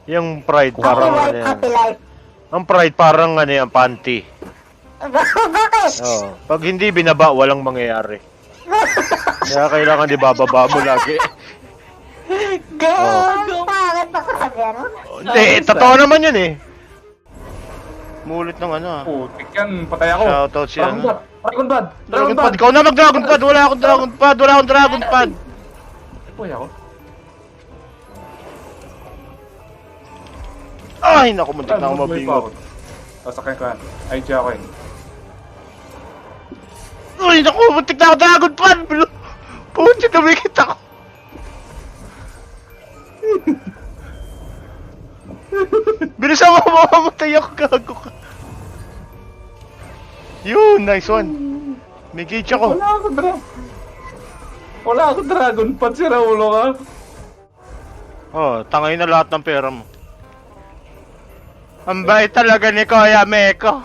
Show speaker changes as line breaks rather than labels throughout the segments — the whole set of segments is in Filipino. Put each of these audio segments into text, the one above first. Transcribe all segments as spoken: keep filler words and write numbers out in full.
Yung pride
Happy
parang ano
life,
yan.
happy life.
Ang pride parang ano yan, panty.
Bakit?
Oo. Pag hindi binaba, walang mangyayari. Kaya kailangan di bababa mo lagi.
Gago! Bakit ba kasabihan mo?
Hindi, totoo naman yun eh. Mulit ng ano ah.
Putik yan, patay ako.
Shoutout siya.
Dragon Pad, Dragon Pad,
Dragon Pad, ikaw na mag Dragon Pad! Wala akong Dragon Pad! Wala akong Dragon Pad!
Uy, ako.
Ay, naku, muntik na ako mabingot.
Sasakyan ko yan. Ay, siya ako yun.
Ay, naku, muntik na ako Dragon Pad! Puti, dumikit ako. Bilisan mo, mamamatay ako, gago ka. Yun, nice one. May gauge ako.
Wala ako dra... Wala ako Dragon Pad, si Raulo ka.
Oh, tangay na lahat ng pera mo. Ang bait talaga ni Kuya Meko.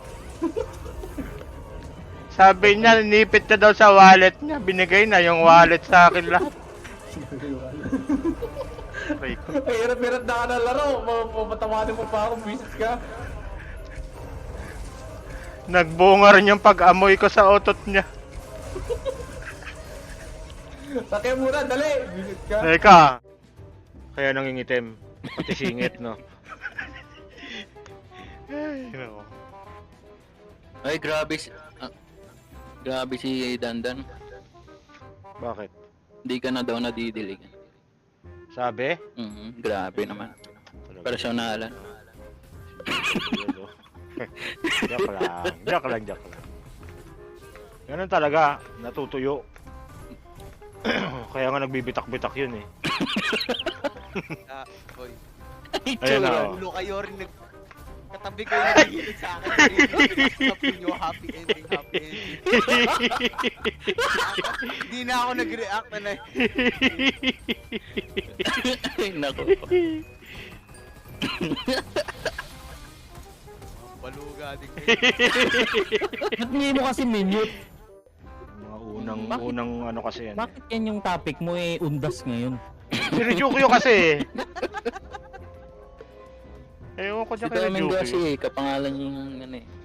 Sabi niya, nipit na daw sa wallet niya. Binigay na yung wallet sa akin lahat. Ay,
Ay, hirap-hirap na ka na laro. Mapatamanin mo pa ako, visit ka.
nagbunga rin yung pag-amoy ko sa otot niya.
Sakyan muna, dali! Visit ka.
Teka. Kaya nangingitim. Pati singit, no? Ay, nako.
Ay, grabe si... ah, grabe si Dandan.
Bakit?
Hindi ka na daw nadidilig.
Sabi?
Mhm, grabe naman. Personalan.
Joke lang. Joke lang, joke lang. Ganun talaga. Natutuyo. Kaya nga nagbibitak-bitak yun eh.
Ah, boy.
Ayan na. oh.
Ulo kayo rin nag... Katabi ko yung nagigilit sa akin. Sabi nyo, happy ending, happy ending. Hindi na ako nag-react na na.
Ay, naku.
Baluga din kayo.
Ba't hindi mo kasi minute?
Mga unang,
Bakit?
unang ano kasi yan.
Bakit yan yung topic mo eh, undas ngayon?
Si Ryukyu kasi eh. Ewan ko
Si
dyan kay
Domingo kasi,
Ryukyu.
kapangalan yung ano eh.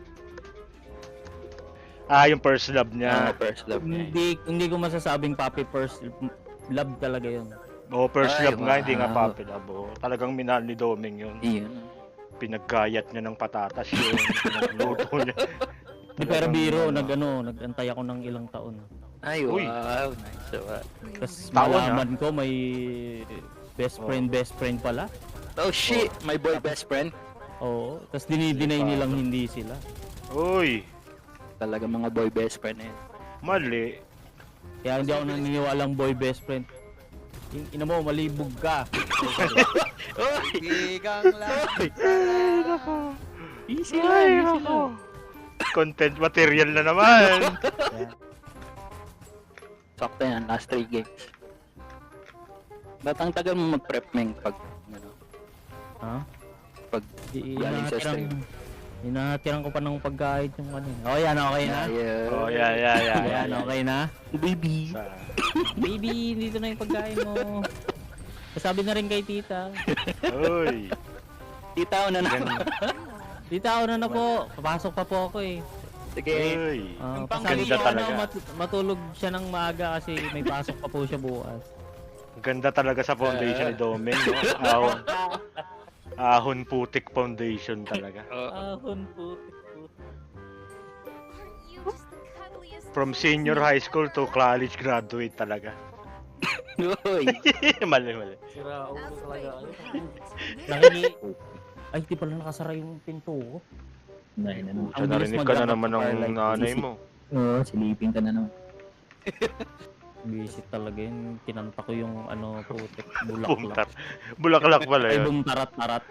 Ah, yung first love
Ah,
niya.
first love niya. eh.
Hindi hindi ko masasabing papi first love talaga yun.
Oo, first
Ay,
love nga, hindi nga
wow.
papi love. Oo. Talagang minahal ni Doming yun.
Iyon.
Pinagkayat niya ng patatas yun. Pinagluto niya.
Di pero
Talagang,
biro,
ano,
nag ano, nagantay ako ng ilang taon.
Ay,
Uy.
wow. Nice. So, uh,
Tapos
Taon,
malaman ko may best
Oh.
friend, best friend pala.
oh shit, my boy best friend.
Oo, tapos dinideny nilang hindi sila.
Uy,
Talaga mga boy best friend eh.
mali.
Kaya hindi ako naniniwalang boy best friend. In ina mo, malibog ka.
Bigang lang.
Easy
Ay,
lang, easy
nako.
lang.
Content material na naman.
Sakto yan, last three games. Ba't ang tagal mo mag-prep meng pag, ano,
Ha?
pag
Di,
galing sa stream?
inahatirang, inahatirang ko pa ng pagkain yung ano. Oh, yan, okay na.
Yeah.
Oh, yeah, yeah, yeah. yeah,
Yan, okay na.
Baby.
Sa-
Baby, dito na yung pagkain mo. Sabi na rin kay tita.
Uy.
Tita, una na.
Gan-
Tita, una na po. Papasok pa po ako eh.
Sige.
Uy.
Uh,
Ang
pasabi
ganda
ko
talaga.
ano, mat- matulog siya ng maaga kasi may pasok pa po siya bukas.
Ganda talaga sa foundation ni Doming. No? Ahon, ahon putik foundation talaga.
Ahon po.
From senior high school to college graduate talaga.
Uy.
mali, mali.
Sira ulo talaga. Nakingi... Ay, di pala nakasara yung pinto ko.
Dahil na naman.
Sa narinig ka na naman ng nanay mo.
Oo, silipin ka na naman.
Visit talaga yun. Kinanta ko yung ano, putik,
Bumtar.
bulaklak.
Bulaklak pala
Ay,
yun.
bumtarat-tarat.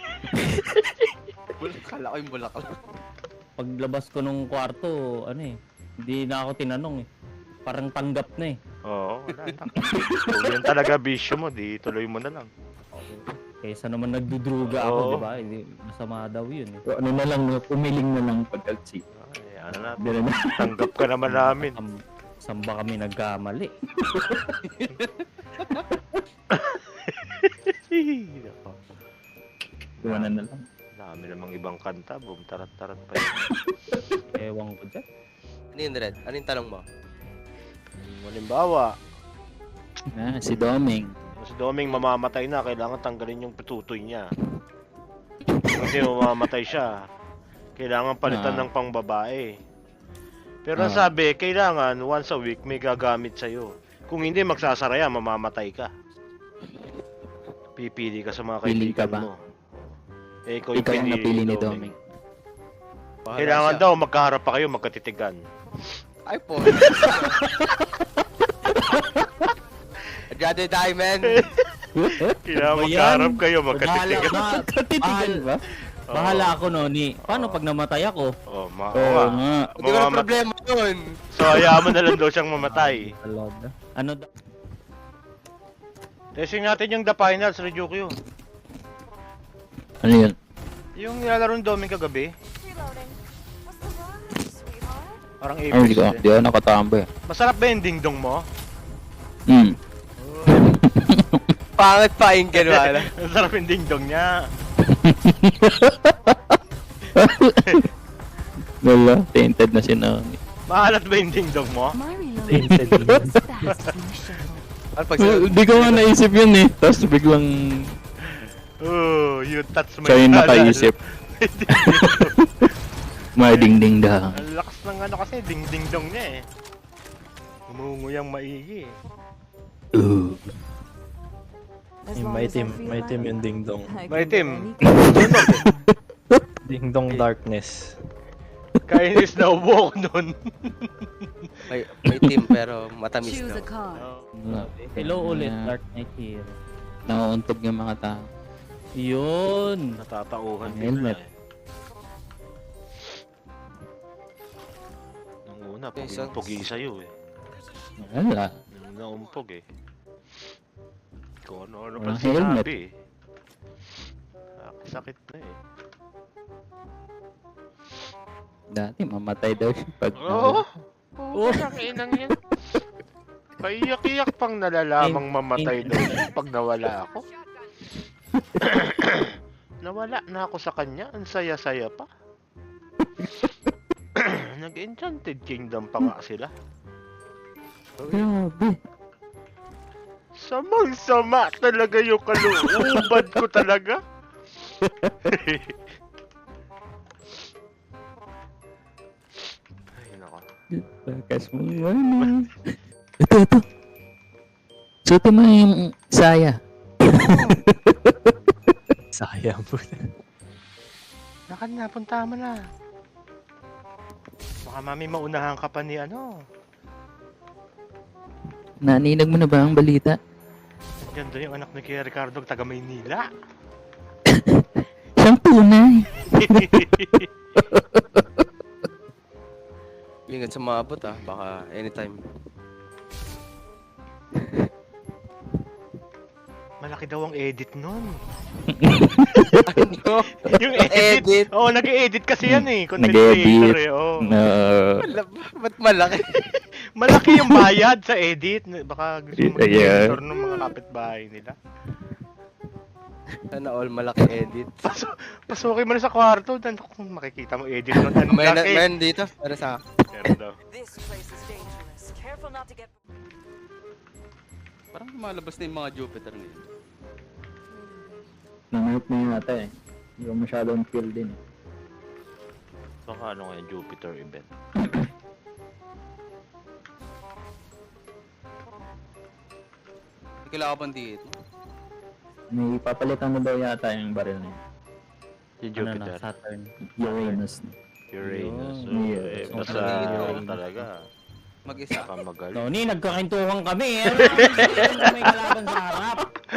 Kala ko yung bulaklak.
Paglabas ko nung kwarto, ano eh, hindi na ako tinanong eh. Parang tanggap na eh.
Oo, wala na. Kung yun talaga bisyo mo, di tuloy mo na lang.
Kaysa naman nagdudruga ako,
Oo.
di ba? Hindi, masama daw yun eh.
So, ano na lang, umiling na lang pag-alsi.
Ay, ano na,
Dire na.
tanggap ka naman namin.
Sam, saan ba kami nagkamali?
iwanan na lang.
Dami namang ibang kanta, boom, tarat-tarat pa yun.
Ewan ko dyan.
Ano yun, Red? Ano yung tanong mo?
Halimbawa,
Ah, si Doming.
si Doming mamamatay na, kailangan tanggalin yung pitutoy niya. Kasi mamamatay siya. Kailangan palitan
Ah.
ng pangbabae. Pero ang
Ah.
sabi, kailangan once a week may gagamit sa'yo. Kung hindi, magsasara yan, mamamatay ka. Pipili ka sa mga
Pili ka
kaibigan
ba?
mo. Eh, ikaw yung
Ikaw ang
pinili
napili ni
Doming.
Doming.
Bahala
Kailangan
siya.
daw magkaharap pa kayo, magkatitigan.
Ay po. I'd rather die, man.
Kailangan
Ba yan?
magkaharap kayo,
Bahala,
magkatitigan.
ba,
Katitigan ba?
Oo.
bahala ako, Noni. Paano pag namatay ako?
Oh, ma
Oo
oo nga.
nga.
Hindi ko na
Mamamat-
problema yun.
So, hayaan mo na lang daw siyang mamatay.
Talaga. Ano daw?
Testing natin yung The Finals, Ryukyu.
Ano yun?
Yung nilalaro ni Doming kagabi,
Reloading. What's the word, sweetheart?
parang
Ay,
Apex
hindi ko.
din.
Hindi ako nakatamba eh.
Masarap ba yung dingdong mo?
Hmm.
Pangit pa yung gano'n.
Masarap yung dingdong niya.
Wala, tainted na si Naomi.
Mahalat ba yung dingdong mo?
My reloading is fast in the show.
Ano pag
Hindi ko nga naisip yun eh. Tapos biglang
Oh, you touch my
siya yung
halal.
nakaisip. May ding-ding dang.
Ang lakas ng ano kasi, ding-ding-dong niya eh. Umunguyang maigi eh.
Uh.
Yung may team, may team yung dingdong.
May team.
Dingdong darkness.
Kainis na ubo ko nun.
may, may team pero matamis
Choose a
no.
card.
Hello ulit,
Yeah.
Dark Knight Hero.
Nauuntog yung mga tao.
Yun.
Natatauhan
Ang
din na
helmet.
eh. Nung una,
Okay,
puging
so-
pugi sa'yo eh.
Wala.
Nung naumpog eh. Kung ano-ano
Walang
pa sinabi
helmet.
eh. Sakit na eh.
Dati mamatay daw siya pag...
Oo! Oo, ang inang yan. Paiyak-iyak pang nalalamang mamatay daw siya pag nawala ako. Nawala na ako sa kanya, ang saya-saya pa. Nag-Enchanted Kingdom pa nga sila.
Grabe.
Samang-sama talaga yung kaluubad ko talaga. Ay, nako.
Bakas mo ano. Ito, ito. Suti mo yung saya.
Sayang po.
Nakan na, punta mo na. Baka mami maunahan ka pa ni ano.
Naninag mo na ba ang balita?
Diyan doon yung anak ni Kuya Ricardo, taga Maynila.
Siyang tunay.
Ingat sa maabot ah, baka anytime.
Malaki daw ang edit nun.
Ano?
Yung edit.
Edit?
Oo, oh, nag-edit kasi yan eh. Content
Nag-edit.
creator eh. Oh.
Uh,
Wala ba? Ba't malaki?
Malaki yung bayad sa edit. Baka gusto mo
Yeah.
mag-editor ng mga kapitbahay nila.
Sana all malaki edit.
Paso, pasukin mo na sa kwarto. Dan kung makikita mo edit nun. Ang
Meron
laki.
meron dito para sa
Meron daw.
This place is dangerous. Careful not to get.
parang lumalabas na yung mga Jupiter ngayon.
Nangyayot na yun ata eh. Hindi ko masyadong feel din.
Baka ano nga yung Jupiter event.
Kailangan ka bang dito?
May papalitan na daw yata yung baril na yun.
Yung
Ano na,
Jupiter.
Saturn.
Uranus.
Uranus.
Yun.
So,
Yes.
eh, basta
Yun.
talaga.
Mag-isa.
Baka magaling.
Noni, nagkakintuhan kami eh. Ano may kalaban sa harap?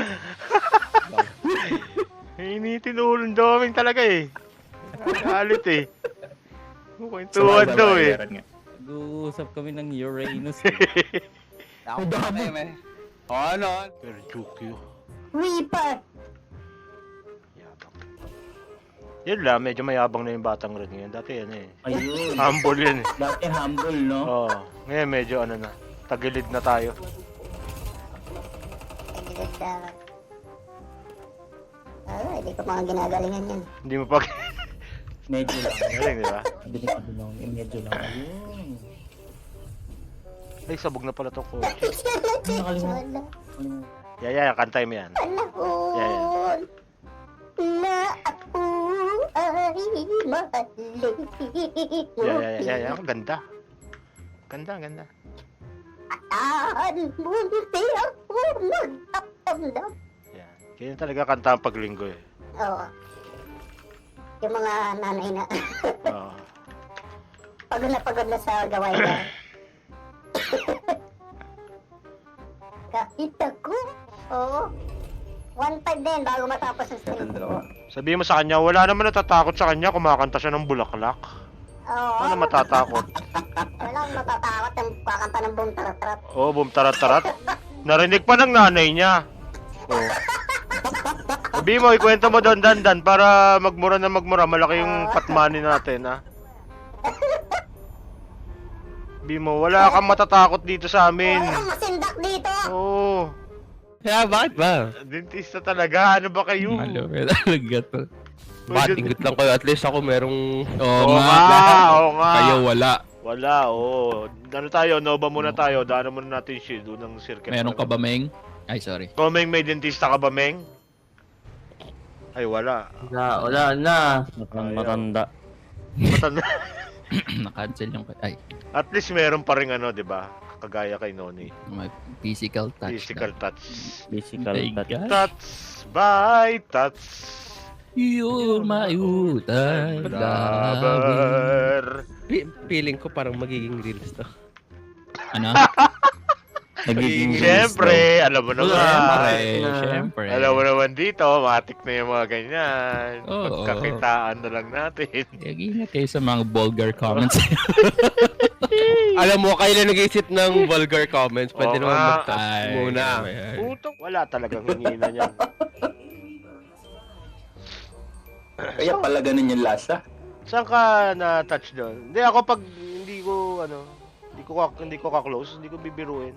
Initin ulo ng Doming talaga eh. Galit eh. Kwentuhan daw eh.
Nag-uusap kami ng Uranus.
Ako ba eh? Ano?
Pero Jukyo.
Weeper.
Yabang. Yun lang, medyo mayabang na yung batang red ngayon. Dati yan eh.
Ayun.
Humble yun eh.
Dati humble, no?
Oo. Ngayon medyo ano na. Tagilid na tayo.
Tagilid na lang.
Ah, hindi ko mga ginagalingan yan.
Hindi mo pag...
Medyo lang.
Galing, di ba?
Sabi ni Kabinong, eh, medyo lang. Ayun.
Ay, sabog na pala tong kotse.
Nakalimutan.
Yeah, yeah, kantay mo yan.
Panahon na ako ay mahalin.
Yeah, yeah, yeah, yeah. Ang ganda. Ganda, ganda.
Ataan mo hindi ako nagtatamdam.
Yan. Kaya talaga kanta ang paglinggo eh.
Oo. Yung mga nanay na
Oo.
pagod na pagod na sa gawain na. Kahit ako, oo. One five din bago matapos ang stream.
Sabihin mo sa kanya, wala naman natatakot sa kanya, kumakanta siya ng bulaklak.
Oo.
Ano matatakot?
Walang matatakot ang kakanta ng boom tarat-tarat.
Oo, oh, boom tarat-tarat. Narinig pa ng nanay niya. Oo. Sabihin mo, ikwento mo doon, dandan, para magmura na magmura. Malaki yung patmani natin, ha? Sabihin mo, wala kang matatakot dito sa amin.
Walang masindak dito.
Oo.
Kaya bakit ba?
Dentista talaga, ano ba kayo?
Malupit talaga to. Bakit ingot lang kayo? At least ako merong... Oo
Oo
nga.
nga, oo nga.
Kayo wala.
Wala, oo. Ano tayo, Nova muna tayo. Daanan muna natin yung shield ng circuit.
Meron ka ba, Meng? Ay, sorry.
O, Meng, may dentista ka ba, Meng? Ay, wala.
Wala, wala na.
Matanda. Matanda.
Matanda.
Na-cancel yung... Ay,
At least meron pa rin ano, di ba? Kagaya kay Noni.
may physical touch.
Physical touch.
Physical
Thank
touch.
God.
Touch by touch.
You're my utang.
Lover.
Feeling ko parang magiging reels to.
Ano?
Nagiging
Siyempre, alam mo
Siyempre,
naman.
siyempre.
Alam mo naman dito, matik na yung mga ganyan.
Oo.
Pagkakitaan na lang natin.
Ingat kayo sa mga vulgar comments.
Alam mo, kayo na nag-isip ng vulgar comments. Pwede
Oo
naman
nga.
mag-touch
Ay,
muna.
ay, ay.
Putok, wala talagang hingina niyan.
Kaya pala ganun yung lasa.
Saan ka na-touch doon? Hindi, ako pag hindi ko, ano, hindi ko, ka- hindi ko ka-close, hindi ko bibiruin.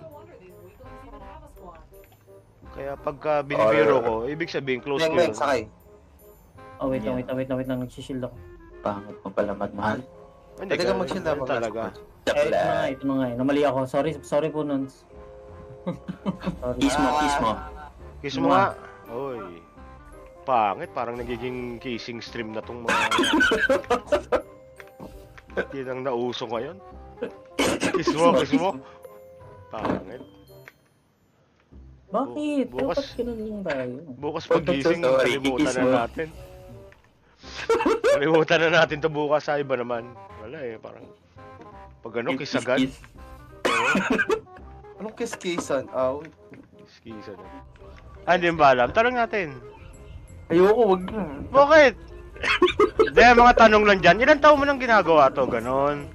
Kaya pagka binibiro ko, ibig sabihin close ko yun.
Oh, wait lang, wait lang, wait lang, wait lang. Nagsishield ako.
Pangit mo pala magmahal.
Hindi ka mag-shield talaga.
Eh, ito na nga, ito na nga. eh. Namali ako. Sorry, sorry po, Nons. Sorry.
Kiss mo, kiss mo.
Kiss mo nga. Oy. Pangit, parang nagiging kissing stream na tong mga... Yan ang nauso ngayon. Kiss mo, kiss mo. Pangit.
Bakit?
Bu- bukas-
Dapat ganun lang tayo.
Bukas pagising,
Sorry,
kalimutan
kiss
na
mo.
natin. Kalimutan na natin to bukas sa iba naman. Wala eh, parang... Pag ano, kiss agad.
Kiss.
Anong kiss-kissan? Aw.
Kiss, kiss agad. Ah, hindi mo ba alam? Tanong natin.
Ayoko, wag na.
Bakit? Hindi, mga tanong lang dyan. Ilan taon mo nang ginagawa to? Ganon.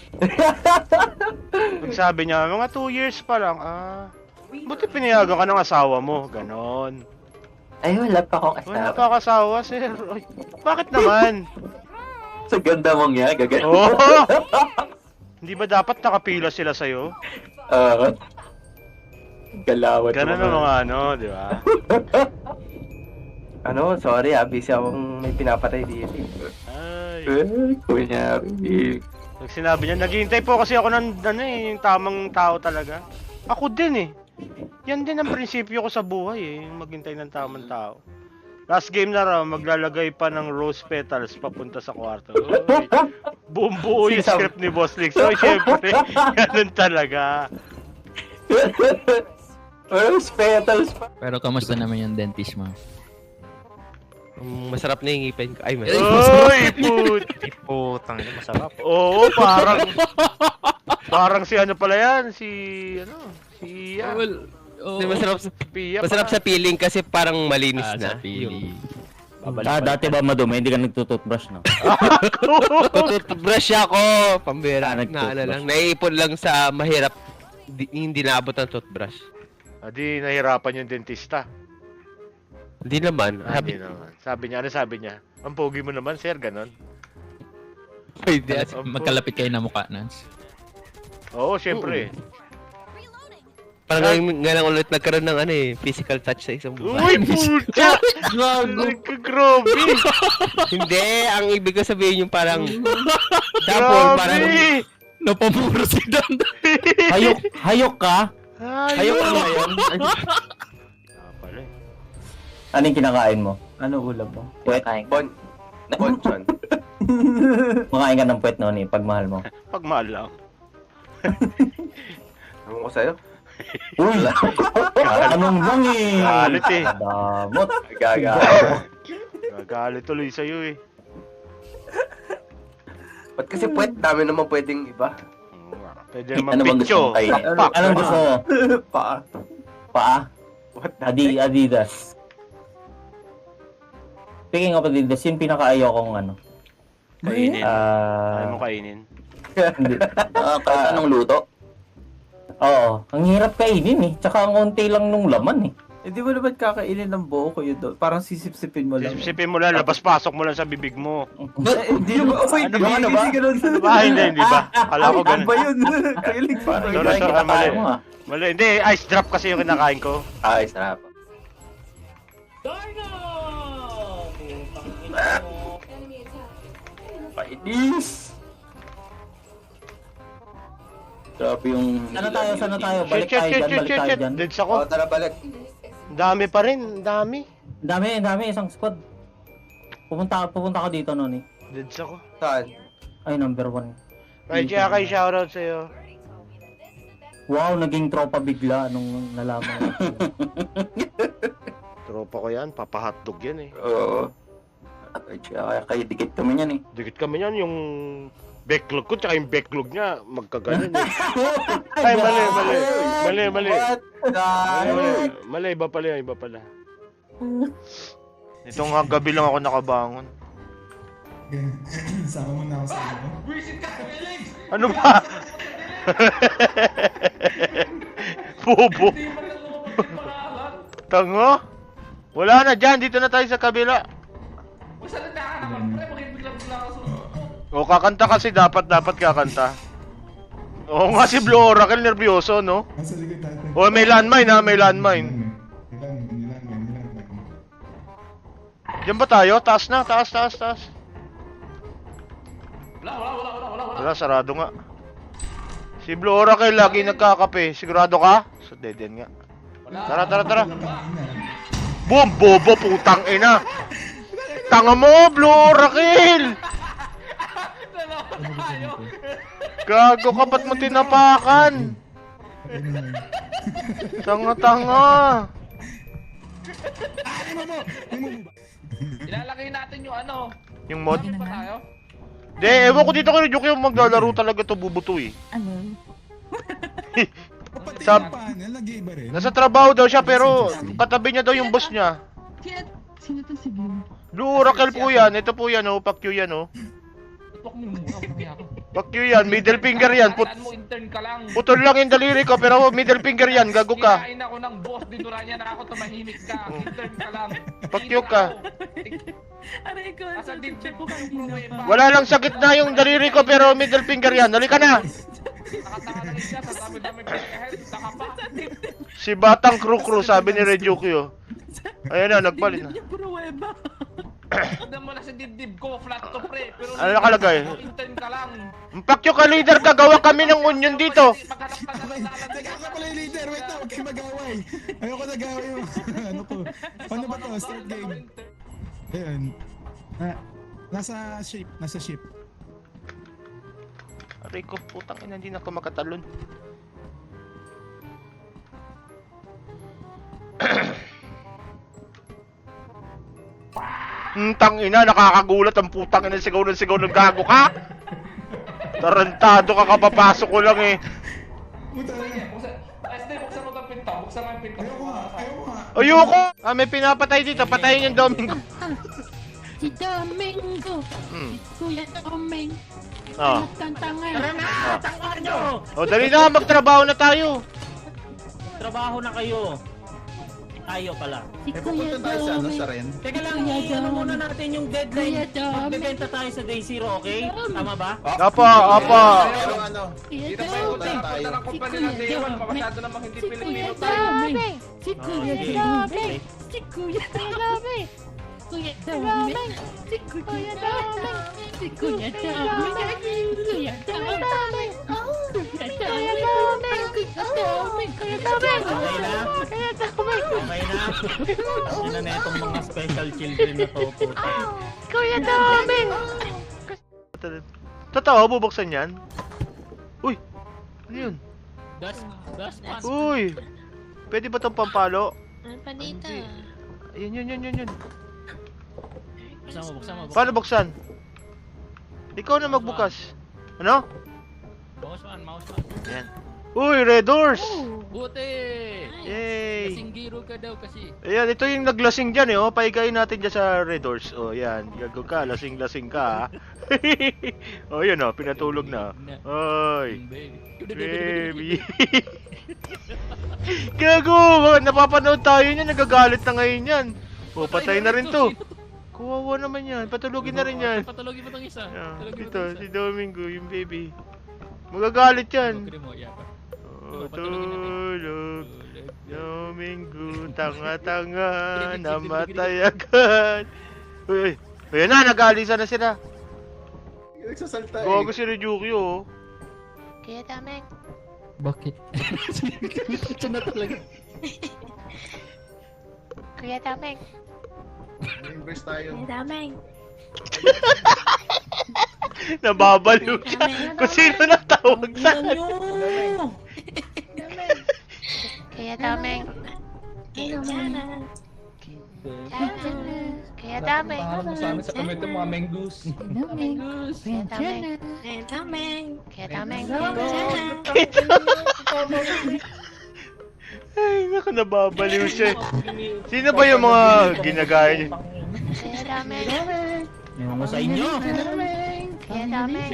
Nagsabi niya, mga two years pa lang. Ah, buti pinayagan ka ng asawa mo. Ganon.
Ay, wala pa akong
Wala
asawa.
pa ako asawa, sir. Ay, bakit naman?
Sa ganda mong yan, gagan.
Oo. Hindi ba dapat nakapila sila sa'yo?
Oo. Galawat
Ganon ang mga ano, di ba?
Ano, sorry ah, busy akong may pinapatay dito.
Ay.
Eh, kunyari.
Pag sinabi niya, naghihintay po kasi ako ng ano eh, yung tamang tao talaga. Ako din eh. Yan din ang prinsipyo ko sa buhay eh, yung maghintay ng tamang tao. Last game na raw, maglalagay pa ng rose petals papunta sa kwarto. Uy, buong buo yung
Sinasabi-
script ni Boss Lex. So, syempre, ganun talaga.
Rose petals pa.
Pero kamusta naman yung dentist mo?
Um, masarap na yung ngipin ko. Ay,
Uy,
masarap.
put!
Putang ina, masarap.
Oo, parang... parang si ano pala yan, si... ano, si... Uh,
Well, oh,
Hindi, masarap sa,
Pia
masarap sa feeling kasi parang malinis
ah,
na.
sa pili.
Ah, dati ba madumi? Hindi ka nagtututbrush, no?
Tututbrush ako. Pambira.
Ah,
Na
nagtutbrush.
ano lang. Naiipon lang sa mahirap. Di, hindi naabot ng toothbrush.
Adi, nahirapan yung dentista.
Hindi naman.
Ah,
Sabi,
Hindi naman. Sabi niya, ano sabi niya? Ang pogi mo naman, sir, ganon.
pwede.
Ang po-
Magkalapit kayo na mukha, Nance.
Oo, syempre.
Parang ngayon nga lang ulit nagkaroon ng ano eh, physical touch sa isang
Uy,
buhay.
pucha! Grabe!
Hindi, ang ibig ko sabihin yung parang double, parang
Grabe!
Napamuro si Dan. Hayok, hayok ka? Hayok ka
Ayun!
ngayon?
Ah, pala eh.
Ano yung kinakain mo? Ano ulam mo? Puwet?
bon, bonchon.
Makain ka ng puwet noon eh, pagmahal mo.
Pagmahal lang.
Ewan ko sa'yo.
Uy! Anong bang eh?
Galit eh.
Damot.
Gaga.
Gagalit tuloy sa'yo eh.
Ba't kasi puwet, dami naman pwedeng iba.
Oo nga. Pwede naman
Ano bang gusto
picture.
mong kainin?
Pak,
Anong gusto mo?
Paa.
Paa?
What the
Adi Adidas. Speaking of Adidas, yung pinaka-ayaw kong ano.
Kainin.
Ah...
Ayaw mo kainin.
Hindi. Ah, kahit anong luto? Oo. Ang hirap kainin eh. Tsaka ang konti lang nung laman eh.
Hindi mo naman kakainin ng buo ko yun doon. Parang sisip-sipin mo lang.
Sipsipin mo lang, labas-pasok mo lang sa bibig mo.
Eh, Hindi mo. Oh, wait,
Ano
hindi
ba, ano ba?
kasi ganun.
Ano ba? Hindi, hindi ba? Kala ko
Ano
ganun.
ba yun? Kilig ko ba
Sorry,
yun?
sorry,
kita
mali.
tayo mo ah.
Mali, hindi, ice drop kasi yung kinakain ko.
Ay, sarap. Painis! Grabe yung...
Sana tayo, sana tayo.
Shit,
Balik
shit,
tayo
shit,
dyan,
shit,
balik
shit,
tayo
shit.
dyan.
Deads ako.
tara balik.
Dami pa rin, dami.
Ang dami, ang dami. Isang squad. Pupunta, pupunta ka dito, Noni.
Deads ako.
Saan?
Ay, number one.
Right, kaya kay shoutout sa'yo.
Wow, naging tropa bigla nung nalaman.
Tropa ko yan, papahotdog yan eh.
Oo. Ay, kaya kayo dikit kami niyan eh.
Dikit kami yan, yung backlog ko, tsaka yung backlog niya, magkaganon eh. Ay, mali, mali. Mali, mali. Mali, mali. Mali, iba pala yan, iba pala. Itong nga gabi lang ako nakabangon.
Sama mo na ako sa ano.
Ano ba? Bobo. Tango? Wala na dyan, dito na tayo sa kabila. O kakanta kasi dapat dapat kakanta. Oo nga si Blue Oracle nervyoso no?
Nasa likod natin.
O may landmine ha, may landmine.
Ilan, ilan, ilan, ilan.
Diyan ba tayo? Taas na, taas, taas, taas. Wala, wala, wala, wala, wala. Wala, sarado nga. Si Blue Oracle lagi nagkakape. Sigurado ka? So dead end nga. Tara, tara, tara. Boom! Bobo, putang ina! Tanga mo, Blue Oracle! Gago ka, ba't mo tinapakan? Tanga-tanga!
Ilalagay natin yung ano.
Yung mod?
Pa tayo?
De, ewan ko dito kay Ryuki yung maglalaro talaga to bubuto eh.
Ano?
Sab
Nag-iiba rin.
Nasa trabaho daw siya pero katabi niya daw yung boss niya.
Sino to si Blue?
Blue Oracle po yan, ito po yan oh, Pakyu yan oh.
Tutok mo muna, mamaya ako.
Pakyu yan, middle finger yan. Put
Tandaan mo, intern ka lang.
putol lang yung daliri ko pero middle finger yan, gago ka.
Kinain ako ng boss, dinura niya na ako, tumahimik ka. Intern ka lang.
Pakyu ka.
Aray ko,
Asa
sa
dibdib
dibdib
ko
ko
kanina
kanina
pa.
pa.
Wala lang sakit na yung daliri ko pero middle finger yan, halika na.
Nakatanga na rin siya sa dami-dami pinakahead. Saka pa.
Si Batang Crew Crew sabi ni Rejuki oh. Ayan na, nagpalit na.
Dibdib niya puro weba.
Tignan mo na sa dibdib ko, flat to pre. Pero
Ano nakalagay?
intern ka lang.
Pakyu ka leader, gagawa kami ng onion dito.
Maghanap ka na ng dalan.
Teka ka pala yung leader, wait na, huwag kayo mag-away. Ayoko nag-away yung ano ko. Paano ba to? Start game. Ayun. Ah, nasa ship, nasa ship.
Aray ko, putang ina, hindi na ako makatalon. Hmm, tang ina, nakakagulat ang putang ina, sigaw ng sigaw ng gago ka. Tarantado ka, kapapasok ko lang eh.
Puta na.
Buksan, S D, buksan mo itong pinto. Buksan mo yung pinto.
Ayoko nga, ayoko nga.
Ayoko! Ah, may pinapatay dito, patayin yung Domingo.
Si Domingo.
Hmm.
Kuya Doming.
Ah.
Tantanga.
O, dali na, magtrabaho na tayo.
Trabaho na kayo. tayo pala.
Si Kuya Doming.
Ren?
Teka lang,
Kuya
ano
Doming.
muna natin yung deadline.
Kuya Doming.
Magbebenta tayo sa day zero, okay? Tama ba?
Opo, opo.
Kuya Doming. Si Kuya Doming. Si Kuya Doming. Si Kuya
Sige.
Doming. Si Kuya Doming. Kuya Doming. Si Kuya Doming. Si Kuya Doming. Kuya Doming. Kuya Doming. Kuya Doming.
Okay na? Okay na? Yun na na itong mga special children na to, puta.
Kuya Doming.
Totoo, bubuksan yan? Uy! Ano yun?
Das, das, pas.
Uy! Pwede ba tong pampalo?
Ano pa dito?
Yun, yun, yun, yun, yun.
Buksan mo, buksan mo.
Paano buksan? Ikaw na magbukas. Ano?
Mouse one, mouse one.
Yan. Uy, red doors!
Buti!
Yay!
Singgiro ka daw kasi.
Ayan, ito yung naglasing dyan eh, oh. Paigayin natin dyan sa red doors. Oh, yan. Gago ka, lasing-lasing ka, ha. Oh, yun oh, pinatulog na. Oy! Baby! Gago! Napapanood tayo niyan, nagagalit na ngayon yan. Oh, patay na rin to. Kuwawa naman yan, patulogin na rin yan.
Patulogin mo tong isa.
Ah,
Patulogin mo
ito,
tong isa.
si Domingo, yung baby. Magagalit yan.
Pagkiri mo, yeah.
Oh,
patulogin natin.
tulog. Domingo, tanga-tanga, namatay agad. Uy, ayan na, nag-aalisan na sila.
Nagsasalta eh.
Gago si Ryuki, oh.
Kuya Doming.
Bakit? Ito na talaga.
Kuya Doming.
Inverse tayo.
Kuya Doming.
Nababaliw siya. Kung sino natawag sa
Kuya Doming. Kuya Doming. Kuya Doming.
Pangalan mo sa amin sa komento mga mengus.
Mengus. Kuya Doming. Kuya Doming. Kuya Doming.
Ay, naku, nababaliw siya. Sino ba yung mga ginagaya niya?
Kuya Doming.
Ewan ko sa inyo.
Kuya Doming. Kuya Doming.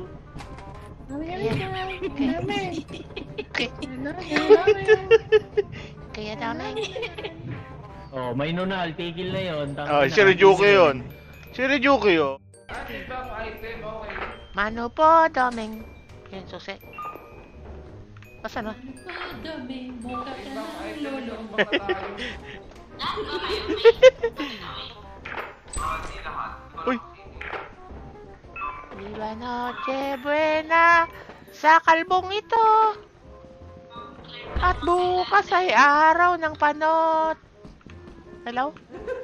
Kuya Doming.
Oh, may nunal, tigil na yun. Tama
Ah,
na.
si Ryuki yun. Si Ryuki yun.
Mano po, Doming. Yan, susi. Basta na. Doming, mukha ka ng lolo.
Uy!
Viva noche buena sa kalbong ito. At bukas ay araw ng panot. Hello?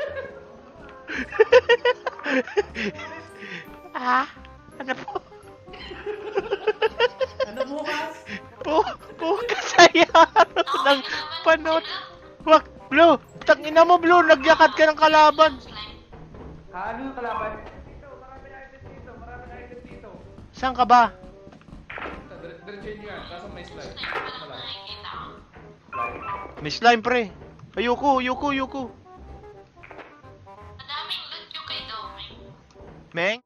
Ah? Ano po?
Ano bukas?
Bu bukas ay araw ng panot. Wag, Blue! Tangina mo, Blue! Nagyakad ka ng kalaban!
Ano yung kalaban?
Saan ka ba?
Diretso nyo yan, kaso may slide.
May slime, pre. Ayoko, ayoko, ayoko. Meng?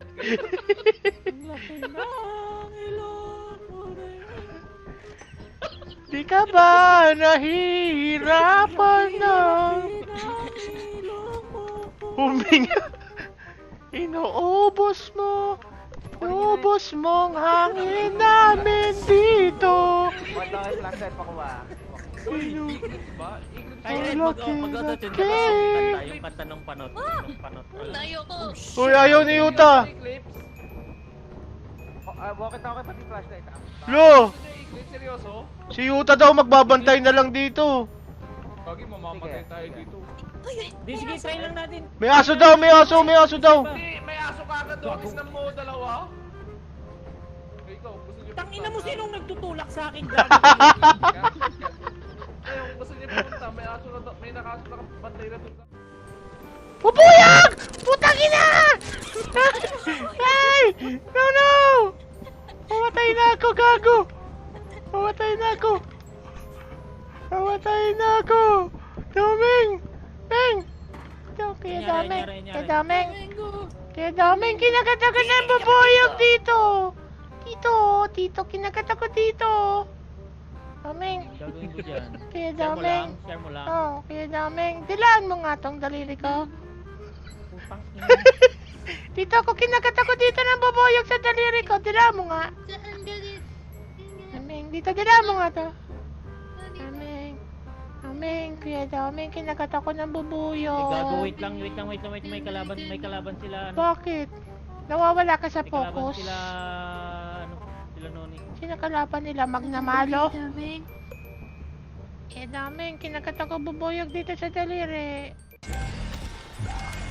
Di ka ba nahihirapan na huminga? Inuubos mo, inuubos mong hangin namin dito.
Wala kayo flashlight pa kuha.
Ay, Red, mag- oh, mag-auto-tune ka ba sa kanta? Yung kanta ng panot. Ng panot.
Uy, ayaw ni Yuta.
Bakit ako pati flashlight ah?
Lo,
Seryoso?
si Yuta daw magbabantay na lang dito.
Kagi mamamatay tayo dito.
Di, sige, try lang natin.
May aso daw, may aso, may aso daw.
Hindi, may aso ka agad doon. Islam mo dalawa. Ikaw, gusto niyo
Tangina mo, sinong nagtutulak sa akin?
Ayaw, gusto niyo pumunta. May aso na doon. May nakaso na bantay na doon.
Pupuyang! Putang ina! Ay! No, no! Mamatay na ako, gago! Mamatay na ako! Mamatay na ako! Doming! Meng! Ito, kaya
Nyari,
Doming!
nyari, nyari.
Kaya Doming! Kaya Doming, kinagatagan na ang babuyog dito! Dito, dito, kinagat ako dito! Daming.
Gagawin ko dyan.
Kaya
Share mo lang,
daming.
share mo lang.
Oo, kaya daming. Dilaan mo nga tong daliri ko.
Putang ina.
Dito ako, kinagat ako dito ng bubuyog sa daliri ko. Dilaan mo nga. Daming, dito dilaan mo nga to. Daming. Daming, kaya daming. Kinagat ako ng
Eh,
bubuyog.
gago, wait lang, wait lang, wait lang, wait lang. May kalaban, may kalaban sila, ano.
Bakit? Nawawala ka sa
May kalaban
focus.
sila, ano, sila Noni.
Sino kalaban nila? Magnamalo? Eh, daming. Kinagat ako bubuyog dito sa daliri.